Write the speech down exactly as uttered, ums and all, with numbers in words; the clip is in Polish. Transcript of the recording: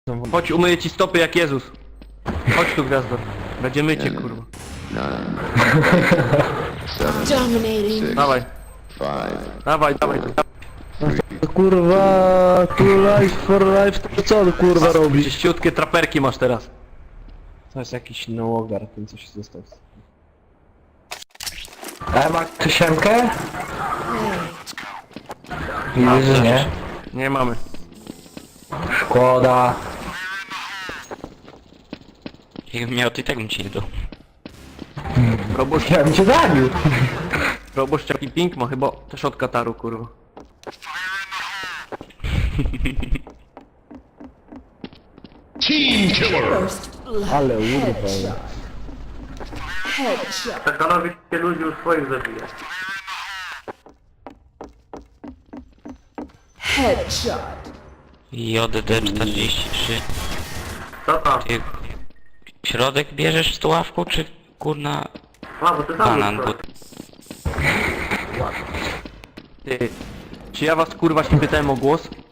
Chodź, umyję ci stopy jak Jezus. Chodź tu, gwiazdo. Będzie mycie, kurwa. Dominating. Dawaj, dawaj, dawaj. Kurwa, tu life for life, to co on kurwa robi? Czyściutkie traperki masz teraz. To jest jakiś nałogar, ten coś został. A ma ktoś siemkę? Widzę, że nie. Nie mamy. Szkoda. Jakbym miał, to i tak bym ci nie dał. Proboszcz, Ja bym cię zabił. proboszcz jaki ping ma chyba też od Kataru, kurwa. First blood. Ale urwa. Headshot. Headshot. Katanowi się ludzi już swoich zabija. Headshot. J D czterdzieści trzy. Co tam? Ty środek bierzesz z tuławką, czy kurna A, bo ty banan? Bo... Ty, czy ja was kurwa się pytałem o głos?